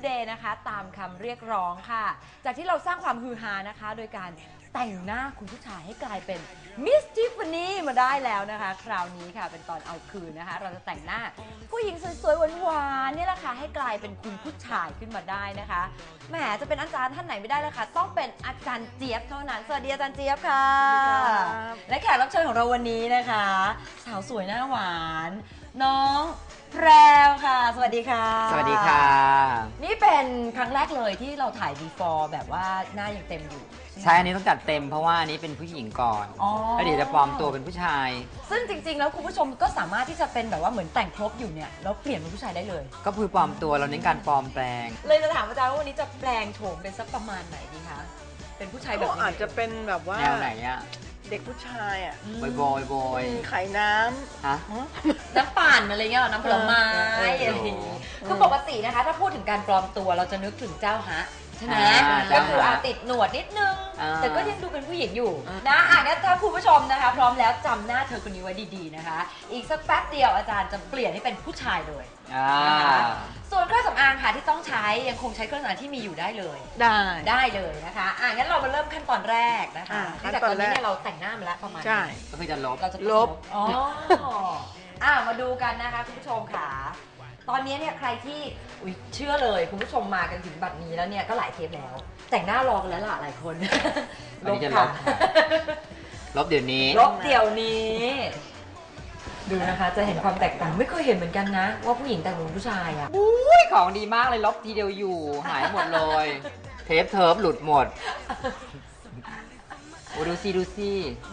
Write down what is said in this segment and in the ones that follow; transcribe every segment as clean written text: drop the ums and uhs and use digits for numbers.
Day นะคะตามคำเรียกร้องค่ะจากที่เราสร้างความฮือฮานะคะโดยการแต่งหน้าคุณผู้ชายให้กลายเป็นมิสทิฟฟานี่มาได้แล้วนะคะคราวนี้ค่ะเป็นตอนเอาคืนนะคะเราจะแต่งหน้าผู้หญิงสวยๆหวานๆนี่แหละค่ะให้กลายเป็นคุณผู้ชายขึ้นมาได้นะคะแหมจะเป็นอาจารย์ท่านไหนไม่ได้เลยค่ะต้องเป็นอาจารย์เจี๊ยบเท่านั้นสวัสดีอาจารย์เจี๊ยบค่ะและแขกรับเชิญของเราวันนี้นะคะสาวสวยหน้าหวานน้องแพรวค่ะสวัสดีค่ะสวัสดีค่ะนี่เป็นครั้งแรกเลยที่เราถ่าย before แบบว่าหน้ายังเต็มอยู่ใช่อันนี้ต้องจัดเต็มเพราะว่าอันนี้เป็นผู้หญิงก่อนแล้วเดี๋ยวจะปลอมตัวเป็นผู้ชายซึ่งจริงๆแล้วคุณผู้ชมก็สามารถที่จะเป็นแบบว่าเหมือนแต่งครบอยู่เนี่ยแล้วเปลี่ยนเป็นผู้ชายได้เลยก็คือปลอมตัวเราเน้นการปลอมแปลงเลยจะถามอาจารย์ว่าวันนี้จะแปลงโฉมเป็นสักประมาณไหนดีคะเป็นผู้ชายแบบอาจจะเป็นแบบว่าแนวไหนอะเด็กผู้ชายอ่ะบอยขายน้ำฮะน้ำปั่นอะไรเงี้ยน้ำผลไม้อะไรอย่างงี้คือปกตินะคะถ้าพูดถึงการปลอมตัวเราจะนึกถึงเจ้าฮะใช่ไหมก็คือติดหนวดนิดนึงแต่ก็ยังดูเป็นผู้หญิงอยู่นะงั้นถ้าคุณผู้ชมนะคะพร้อมแล้วจำหน้าเธอคนนี้ไว้ดีๆนะคะอีกสักแป๊บเดียวอาจารย์จะเปลี่ยนให้เป็นผู้ชายเลยนะคะส่วนเครื่องสำอางค่ะที่ต้องใช้ยังคงใช้เครื่องสำอางที่มีอยู่ได้เลยได้เลยนะคะงั้นเรามาเริ่มขั้นตอนแรกนะคะจากตอนนี้เนี่ยเราแต่งหน้ามาแล้วประมาณใช่ก็คือจะลบเราจะลบมาดูกันนะคะคุณผู้ชมค่ะตอนนี้เนี่ยใครที่เชื่อเลยคุณผู้ชมมากันถึงบัดนี้แล้วเนี่ยก็หลายเทปแล้วแต่งหน้ารอกันแล้วล่ะหลายคนลบค่ะลบเดี๋ยวนี้ดูนะคะจะเห็นความแตกต่างไม่เคยเห็นเหมือนกันนะว่าผู้หญิงแต่งเป็นผู้ชายอ่ะอุ้ยของดีมากเลยลบทีเดียวอยู่หายหมดเลยเทปเทิร์ฟหลุดหมดโอ้ดูสิ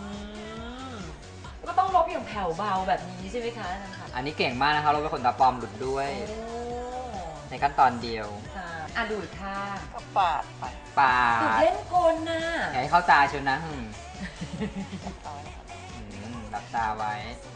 ก็ต้องลบอย่างแผ่วเบาแบบนี้ใช่ไหมคะนั่นค่ะอันนี้เก่งมากนะคะเราเป็นคนตาปลอมหลุดด้วยในขั้นตอนเดียวดูดค่ะปาดดูดเล่นคนน่ะอย่าให้เข้าตาชนนะหลับตาไว้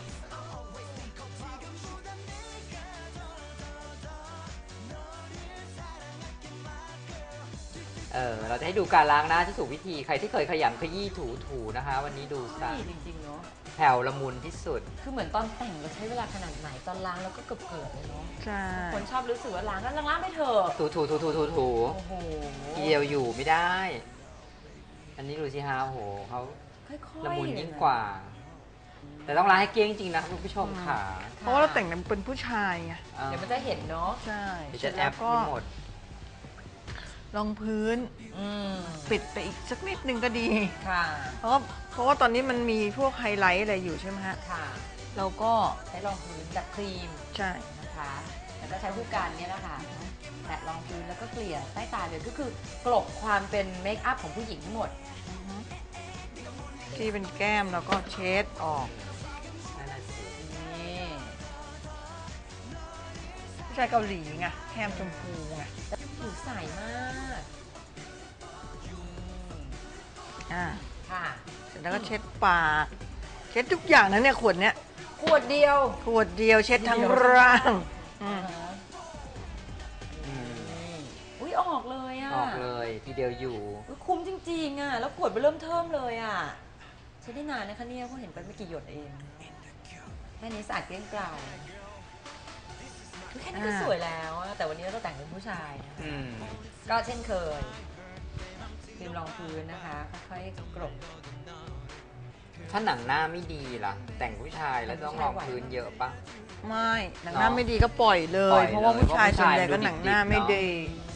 เราจะให้ดูการล้างหน้าที่ถูกวิธีใครที่เคยขยำขยี้ถูนะคะวันนี้ดูซะจริงๆเนาะแผ่วละมุนที่สุดคือเหมือนตอนแต่งเราใช้เวลาขนาดไหนตอนล้างแล้วก็เกือบเลยเนาะใช่คนชอบรู้สึกว่าล้างแล้วล้างไม่เถอะถูโอ้โหทีเดียวอยู่ไม่ได้อันนี้ดูสิฮะโอ้โหเขาละมุนยิ่งกว่าแต่ต้องล้างให้เกลี้ยงจริงนะคุณผู้ชมค่ะเพราะว่าเราแต่งเป็นผู้ชายไงเดี๋ยวมันจะเห็นเนาะใช่จะแอปหมดรองพื้นปิดไปอีกสักนิดนึงก็ดีค่ะเพราะว่าตอนนี้มันมีพวกไฮไลท์อะไรอยู่ใช่ไหมฮะค่ะเราก็ใช้รองพื้นแบบครีมใช่นะคะแล้วก็ใช้ผู้กันเนี่ยนะคะแตะรองพื้นแล้วก็เกลี่ยใต้ตาเลยก็คือกลบความเป็นเมคอัพของผู้หญิงทั้งหมดที่เป็นแก้มแล้วก็เช็ดออกนี่ผู้ชายเกาหลีไงแก้มชมพูไงผิวใสมากค่ะเสร็จแล้วก็เช็ดปากเช็ดทุกอย่างนะเนี่ยขวดเนี้ยขวดเดียวเช็ดทั้งร่างออกเลยอ่ะออกเลยทีเดียวอยู่คุ้มจริงๆอ่ะแล้วขวดไปเริ่มเทิมเลยอ่ะใช้ได้นานนะคะเนี่ยเพราะเห็นไปไม่กี่หยดเองแค่นี้สะอาดเกลี้ยงเกลาแค่นี้ก็สวยแล้วแต่วันนี้เราแต่งเป็นผู้ชายก็เช่นเคยครีมรองพื้นนะคะค่อยๆกลบถ้าหนังหน้าไม่ดีล่ะแต่งผู้ชายแล้วต้องรองพื้นเยอะปะไม่หนังหน้าไม่ดีก็ปล่อยเลยเพราะว่าผู้ชายส่วนใหญ่ก็หนังหน้าไม่ดี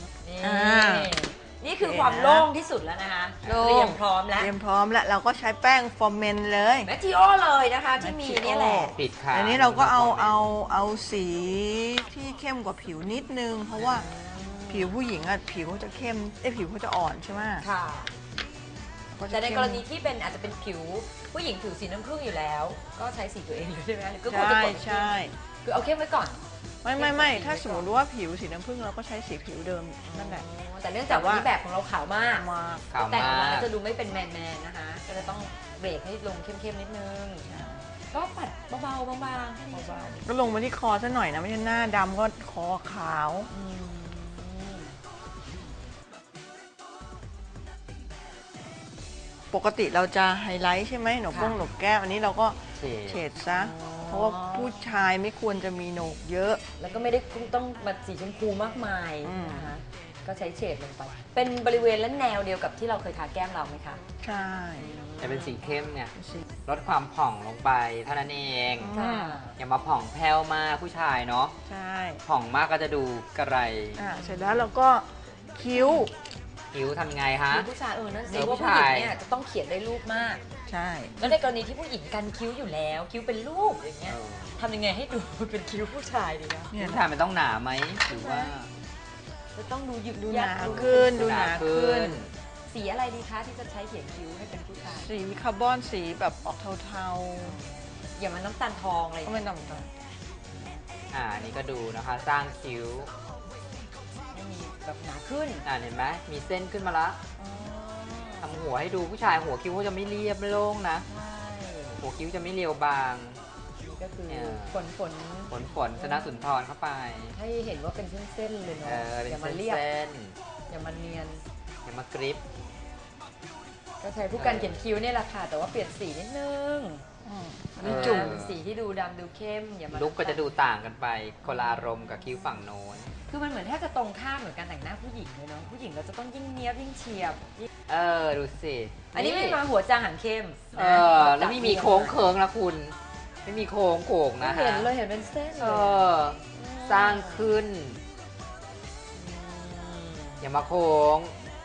นี่คือความโล่งที่สุดแล้วนะคะเตรียมพร้อมแล้วเราก็ใช้แป้งฟอร์เมนเลยแมททิโอเลยนะคะที่มีนี่แหละปิดค่ะอันนี้เราก็เอาสีที่เข้มกว่าผิวนิดนึงเพราะว่าผิวผู้หญิงอะผิวเขาจะเข้มผิวเขาจะอ่อนใช่ไหมค่ะแต่ในกรณีที่เป็นอาจจะเป็นผิวผู้หญิงผิวสีน้ำผึ้งอยู่แล้วก็ใช้สีตัวเองเลยใช่ไหมก็ควรจะกดใช่คือเอาเข้มไว้ก่อนไม่ถ้าสมมติว่าผิวสีน้ำผึ้งเราก็ใช้สีผิวเดิมนั่นแหละแต่เนื่องจากว่าแบบของเราขาวมากแต่งออกมาจะดูไม่เป็นแมนนะคะก็จะต้องเบรกให้ลงเข้มๆนิดนึงก็ปัดเบาๆบางๆก็ลงมาที่คอซะหน่อยนะไม่ใช่หน้าดำก็คอขาวปกติเราจะไฮไลท์ใช่ไหมหนกแก้มอันนี้เราก็เฉดซะเพราะว่าผู้ชายไม่ควรจะมีโหนกเยอะแล้วก็ไม่ได้ต้องมาสีชมพูมากมายนะคะก็ใช้เฉดลงไป เป็นบริเวณและแนวเดียวกับที่เราเคยทาแก้มเราไหมคะใช่แต่เป็นสีเข้มเนี่ยลดความผ่องลงไปเท่านั้นเองค่ะอย่ามาผ่องแผ้วมากผู้ชายเนาะใช่ผ่องมากก็จะดูกระไรเสร็จแล้วเราก็คิ้วคิ้วทำไงฮะคือผู้ชายนั่นสิเออว่าผู้ผู้หญิชาง ยเนี่ยจะต้องเขียนได้รูปมากใช่แล้วในกรณีที่ผู้หญิงกันคิ้วอยู่แล้ว คิ้วเป็นรูปอย่างเงี้ยเออทำยังไงให้ดูเป็นคิ้วผู้ชายดีนะเนี่ยผู้ชายมันต้องหนาไหมหรือว่าจะต้องดูหยึกดูหยันาดูขึ้นดูหนาขึ้นสีอะไรดีคะที่จะใช้เขียนคิ้วให้เป็นผู้ชายสีคาร์บอนสีแบบออกเทาอย่ามันน้ำตาลทองอะไรอๆย่าก็งไม่เงี้ยต้องนี่ก็ดูนะคะ สร้างคิ้วให้มีแบบหนาขึ้นเห็นไหมมีเส้นขึ้นมาละอ๋อทำหัวให้ดูผู้ชายหัวคิ้วเขาจะไม่เรียบไม่โล่งนะใช่หัวคิ้วจะไม่เรียวบางนี่ก็คือเนี่ยฝนฝนชนะสุนทรเข้าไปให้เห็นว่าเป็นเส้นๆเลยเนาะเป็นอย่ามาเส้นเรียบเส้นอย่ามาเนียนอย่ามากริปก็ใช้ผู้กันเขียนคิ้วเนี่ยแหละค่ะแต่ว่าเปลี่ยนสีนิดนึงอันนี้จุ่มเป็นสีที่ดูดำดูเข้มอย่ามาลุกก็จะดูต่างกันไปคนละอารมณ์กับคิ้วฝั่งโน้นคือมันเหมือนแทบจะตรงข้ามเหมือนการแต่งหน้าผู้หญิงเลยเนาะผู้หญิงเราจะต้องยิ่งเนี้ยบยิ่งเฉียบยิ่งดูสิอันนี้ไม่มาหัวจางหางเข้มนะแล้วไม่มีโค้งเคิงนะคุณ ไม่มีโค้งโก่งไม่นะเห็ฮะนเลยเห็นเป็นเส้นเลยสร้างขึ้น อย่ามาโค้ง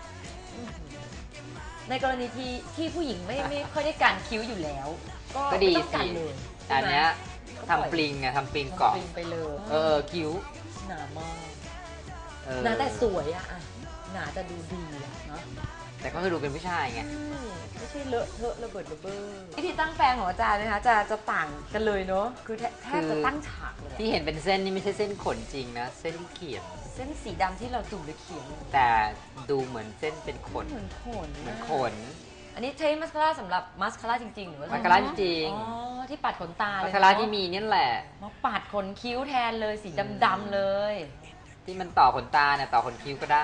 ในกรณีที่ผู้หญิงไม่ค่อยได้การคิ้วอยู่แล้วก็ดีไม่ต้องสิกันเลยแต่อันเนี้ยใช่ไหมทำปลิงไงทำปลิงทำเกาะปลิงไปเลยคิ้วหนามากเออหนาแต่สวยอะหนาแต่ดูดีอะเนาะแต่ก็คือดูเป็นผู้ชายไงไม่ใช่เลอะเทอะระเบิดระเบ้อวิธีตั้งแปรงของอาจารย์นะคะจะต่างกันเลยเนาะคือแทบจะตั้งฉากเลยที่เห็นเป็นเส้นนี่ไม่ใช่เส้นขนจริงนะ เส้นที่เขียนเส้นสีดำที่เราจุ่มหรือเขียนแต่ดูเหมือนเส้นเป็นขนเหมือนขนเหมือนขนอันนี้ใช้มัสคาร่าสำหรับมัสคาร่าจริงๆหรือว่ามัสคาร่าจริงอ๋อที่ปัดขนตาเลยมัสคาร่าที่มีเนี่ยแหละมาปัดขนคิ้วแทนเลยสีดำๆเลยที่มันต่อขนตาเนี่ยต่อขนคิ้วก็ได้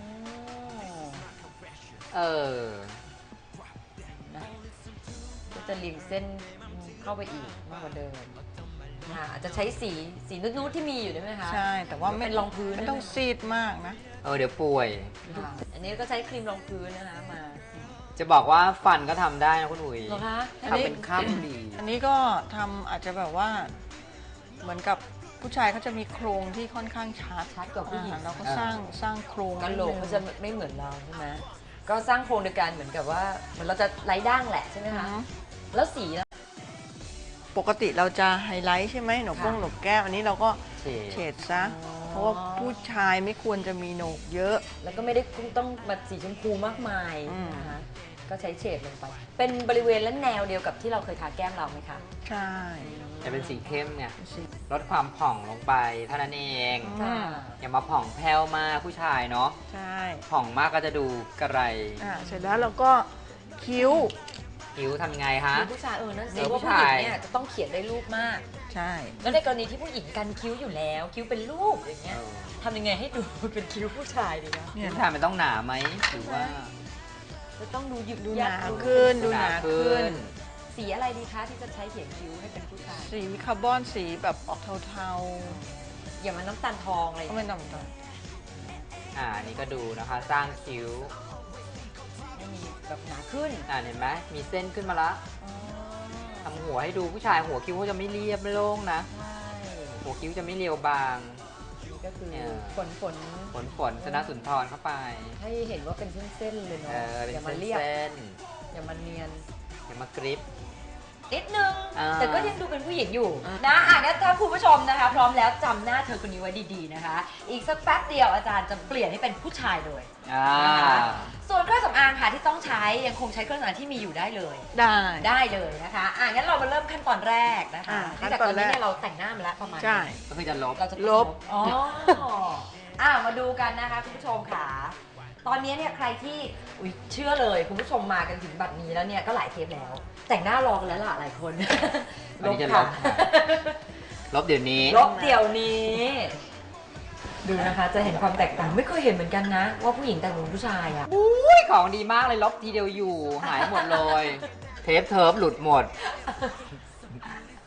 เออนะก็จะเรียงเส้นเข้าไปอีกมากกว่าเดิมอาจจะใช้สีนูดๆที่มีอยู่ได้ไหมคะใช่แต่ว่าไม่เป็นรองพื้นไม่ต้องซีดมากนะเดี๋ยวป่วยค่ะอันนี้ก็ใช้ครีมรองพื้นนะคะมาจะบอกว่าฟันก็ทำได้นะคุณอุ๋ยเหรอคะทำเป็นข้ามดีอันนี้ก็ทำอาจจะแบบว่าเหมือนกับผู้ชายเขาจะมีโครงที่ค่อนข้างชัดชัดกว่าผู้หญิงเราก็สร้างโครงกะโหลกเขาจะไม่เหมือนเราใช่ไหมก็สร้างโครงโดยการเหมือนกับว่าเหมือนเราจะไร้ด่างแหละใช่ไหมอือคะฮึแล้วสีล่ะปกติเราจะไฮไลท์ใช่ไหมหนกค่ะหนกแก้มอันนี้เราก็เฉเฉดดซะ เพราะว่าผู้ชายไม่ควรจะมีโหนกเยอะแล้วก็ไม่ได้ต้องมาสีชมพูมากมายอืมนะคะก็ใช้เฉดลงไป เป็นบริเวณและแนวเดียวกับที่เราเคยทาแก้มเราไหมคะใช่แต่เป็นสีเข้มเนี่ยสีลดความผ่องลงไปเท่านั้นเองอืมอย่ามาผ่องแผ้วมากผู้ชายเนาะใช่ผ่องมากก็จะดูกระไรเสร็จแล้วเราก็คิ้วคิ้วทำไงฮะคือผู้ชายนั่นสิเออว่าผู้ผู้หญิชาง ยเนี่ยจะต้องเขียนได้รูปมากใช่แล้วในกรณีที่ผู้หญิงกันคิ้วอยู่แล้ว คิ้วเป็นรูปอย่างเงี้ยทำยังไงให้ดูเป็นคิ้วผู้ชายดีนะเนี่ยผู้ชายมันต้องหนาไหมหรือว่าจะต้องดูหยึกดูหยันาขึ้นดูหนาขึ้นสีอะไรดีคะที่จะใช้เขียนคิ้วให้เป็นผู้ชายสีคาร์บอนสีแบบออกเทาอย่ามันน้ำตาลทองอะไรอๆย่าก็งไม่เงี้ยต้องนี่ก็ดูนะคะ สร้างคิ้วให้มีแบบหนาขึ้นเห็นไหมมีเส้นขึ้นมาละอ๋อทำหัวให้ดูผู้ชายหัวคิ้วเขาจะไม่เรียบไม่โล่งนะใช่หัวคิ้วจะไม่เรียวบางนี่ก็คือเนี่ยฝนชนะสุนทรเข้าไปให้เห็นว่าเป็นเส้นๆเลยเนาะเป็นอย่ามาเส้นเรียบเส้นอย่ามาเนียนอย่ามากริปนิดนึงอ่าแต่ก็ยังดูเป็นผู้หญิงอยู่นะงั้นถ้าคุณผู้ชมนะคะ พร้อมแล้วจำหน้าเธอคนนี้ไว้ดีๆนะคะ อีกสักแป๊บเดียวอาจารย์จะเปลี่ยนให้เป็นผู้ชายเลย นะคะส่วนเครื่องสำอางค่ะที่ต้องใช้ยังคงใช้เครื่องสำอางที่มีอยู่ได้เลยได้เลยนะคะงั้นเรามาเริ่มขั้นตอนแรกนะคะขั้นจากตตออน นแรนี้กเนี่ยเราแต่งหน้ามาแล้วประมาณใช่นี้ก็คือจะลบเราจะลบอ๋อมาดูกันนะคะคุณผู้ชมค่ะ ตอนนี้เนี่ยใครที่เชื่อเลยคุณผู้ชมมากันถึงบัดนี้แล้วเนี่ยก็หลายเทปแล้ว แต่งหน้ารอกันแล้วล่ะหลายคนอันนี้จะลบค่ะลบเดี๋ยวนี้ลบเดี๋ยวนี้ ดูนะคะจะเห็นความแตกต่างไม่เคยเห็นเหมือนกันนะ ว่าผู้หญิงแต่งเป็นผู้ชายอะอุ้ยของดีมากเลยลบทีเดียวอยู่ หายหมดเลย เทปเทิร์ฟหลุดหมด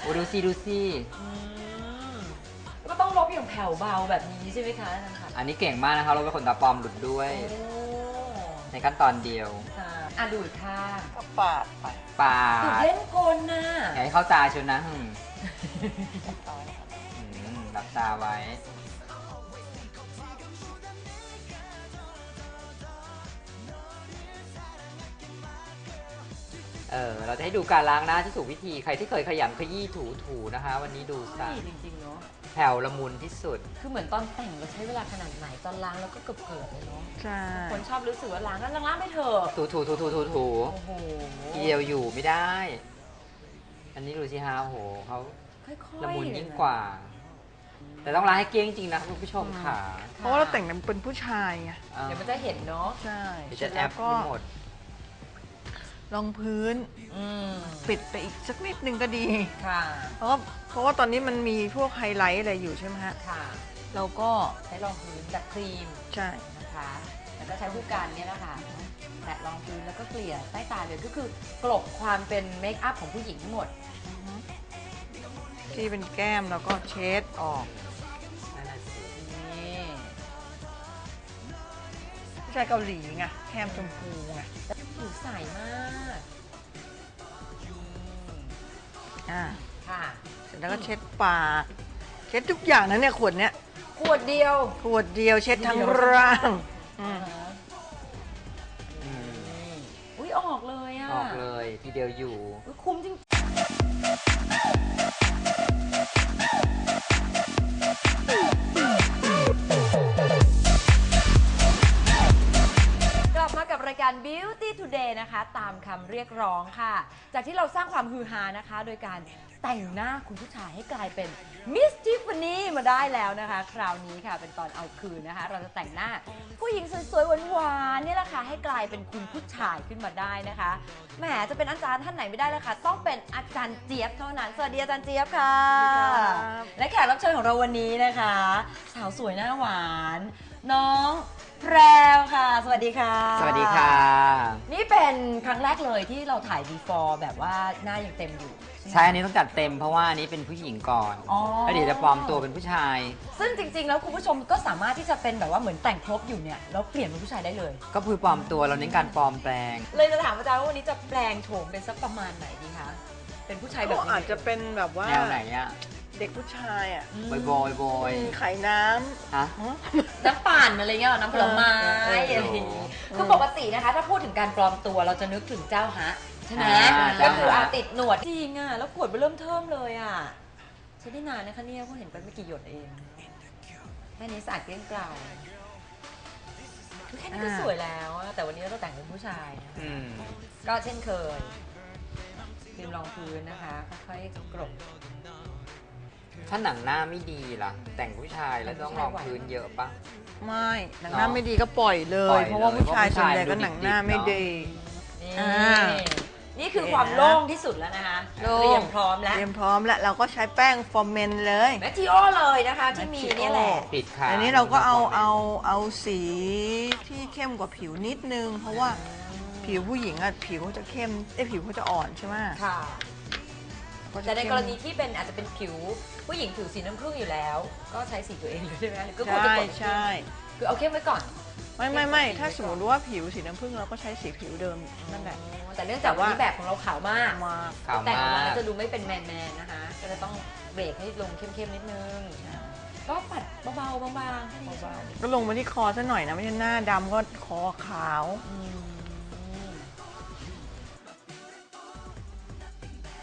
โอ้ดูสิดูสิก็ต้องลบอย่างแผ่วเบาแบบนี้ใช่ไหมคะอาจารย์คะอันนี้เก่งมากนะคะเราเป็นขนตาปลอมหลุดด้วยโอ้ในขั้นตอนเดียวค่ะอ่ะดูอีกข้างก็ปาดไปปาติดดเล่นกลน่ะอย่าให้เข้าตาชนนะหลับตาไว้ เราจะให้ดูการล้างหน้าที่ถูกวิธี ใครที่เคยขยำขยี้ถูนะคะ วันนี้ดูซะดีจริงๆเนาะแผ่วละมุนที่สุดคือเหมือนตอนแต่งเราใช้เวลาขนาดไหนตอนล้างแล้วก็เกือบๆเลยเนาะใช่คนชอบรู้สึกว่าล้างแล้วล้างไม่เถอะถูโอ้โหทีเดียวอยู่ไม่ได้ อันนี้ดูสิฮะโอ้โหเขาค่อยๆละมุนยิ่งกว่า แต่ต้องล้างให้เกลี้ยงจริงนะคุณผู้ชมค่ะเพราะว่าเราแต่งเป็นผู้ชายไงเดี๋ยวมันจะเห็นเนาะใช่เดี๋ยวเสร็จะจแอแล้วปก็ไม่หมดรองพื้นอืมปิดไปอีกสักนิดนึงก็ดีค่ะเพราะว่าตอนนี้มันมีพวกไฮไลท์อะไรอยู่ใช่ไหมฮะค่ะเราก็ใช้รองพื้นแบบครีมใช่นะคะ แล้วก็ใช้ผู้การเนี่ยนะคะแตะรองพื้นแล้วก็เกลี่ยใต้ตาเลยก็คือกลบความเป็นเมคอัพของผู้หญิงทั้งหมดที่เป็นแก้มแล้วก็เช็ดออกนั่นน่ะสินี่ผู้ชายเกาหลีไงแก้มชมพูไงแต่ผิวใสมากอืมอ่าค่ะเสร็จแล้วก็เช็ดปากเช็ดทุกอย่างนะเนี่ยขวดเนี้ยขวดเดียวขวดเดียวเช็ดทั้งร่างอืมอืมอุ้ยออกเลยอ่ะออกเลยทีเดียวอยู่อุ๊ยคุ้มจริงกลับมากับรายการ Beauty Today นะคะ ตามคำเรียกร้องค่ะ จากที่เราสร้างความฮือฮานะคะ โดยการแต่งหน้าคุณผู้ชายให้กลายเป็น Miss Tiffany มาได้แล้วนะคะ คราวนี้ค่ะเป็นตอนเอาคืนนะคะ เราจะแต่งหน้าผู้หญิงสวยๆหวานๆเนี่ยแหละค่ะให้กลายเป็นคุณผู้ชายขึ้นมาได้นะคะแหมจะเป็นอาจารย์ท่านไหนไม่ได้เลยค่ะ ต้องเป็นอาจารย์เจี๊ยบเท่านั้น สวัสดีอาจารย์เจี๊ยบค่ะ และแขกรับเชิญของเราวันนี้นะคะ สาวสวยหน้าหวาน น้องแพรวค่ะ สวัสดีค่ะสวัสดีค่ะนี่เป็นครั้งแรกเลยที่เราถ่าย before แบบว่าหน้ายังเต็มอยู่ใช่อันนี้ต้องจัดเต็มเพราะว่าอันนี้เป็นผู้หญิงก่อนอ๋อแล้วเดี๋ยวจะปลอมตัวเป็นผู้ชายซึ่งจริงๆ แล้วคุณผู้ชมก็สามารถที่จะเป็นแบบว่าเหมือนแต่งครบอยู่เนี่ยแล้วเปลี่ยนเป็นผู้ชายได้เลยก็คือปลอมตัวเราเน้นการปลอมแปลงเลยจะถามอาจารย์ว่าวันนี้จะแปลงโฉมเป็นสักประมาณไหนดีคะ เป็นผู้ชายแบบก็ไหนอาจจะเป็นแบบว่าแนวไหนอะเด็กผู้ชายอ่ะอืมบอยบอยขายน้ฮะำน้ำปั่นอะไรเงี้ยเหรอน้ำผลไม้เอออะไรอย่างงี้คือปกตินะคะ ถ้าพูดถึงการปลอมตัวเราจะนึกถึงเจ้าฮะใช่ไหมอ่าก็คือเจ้าฮะติดหนวดจริงอ่ะแล้วขวดไปเริ่มเทิมเลยอ่ะใช้ได้นานนะคะเนี่ยเพราะเห็นไปไม่กี่หยดเองแค่นี้สะอาดเกลี้ยงเกลาคือแค่นี้ก็สวยแล้วอะแต่วันนี้เราแต่งเป็นผู้ชายนะคะอืมก็เช่นเคยครีมรองพื้นนะคะค่อยๆกรบถ้าหนังหน้าไม่ดีล่ะ แต่งผู้ชายแล้วต้องรองพื้นเยอะปะไม่หนังหน้าไม่ดีก็ปล่อยเลปล่อยเลยยเพราะว่าผู้ชายเพราะผู้ส่วนชายใหญ่ก็ดูหนังหน้าไม่ดิบๆดีนี่อ่านี่คือความโล่งที่สุดแล้วนะคะโล่งเตรียมพร้อมแล้วเตรียมพร้อมแล้วเราก็ใช้แป้งฟอร์เมนเลยแมททิโอเลยนะคะที่มีเนี่ยแหละปิดค่ะอันนี้เราก็เอาสีที่เข้มกว่าผิวนิดนึง เพราะว่าผิวผู้หญิงอะผิวเขาจะเข้มผิวเขาจะอ่อนใช่ไหมค่ะก็จะแต่ในเข้มกรณีที่เป็นอาจจะเป็นผิวผู้หญิงผิวสีน้ำผึ้งอยู่แล้ว ก็ใช้สีตัวเองเลยใช่ไหมก็ควรจะใช่กดใช่คือเอาเข้มไว้ก่อนไม่ถ้าสมมติว่าผิวสีน้ำผึ้งเราก็ใช้สีผิวเดิมนั่นแหละแต่เนื่องจากวันนี้แบบของเราขาวมากมาขาวแต่งออกมามาก แล้วจะดูไม่เป็นแมนๆนะคะ ก็จะต้องเบรกให้ลงเข้มๆนิดนึง ก็ปัดเบาๆบางๆแค่นี้ก็ลงมาที่คอซะหน่อยนะไม่ใช่หน้าดำก็คอขาวอืม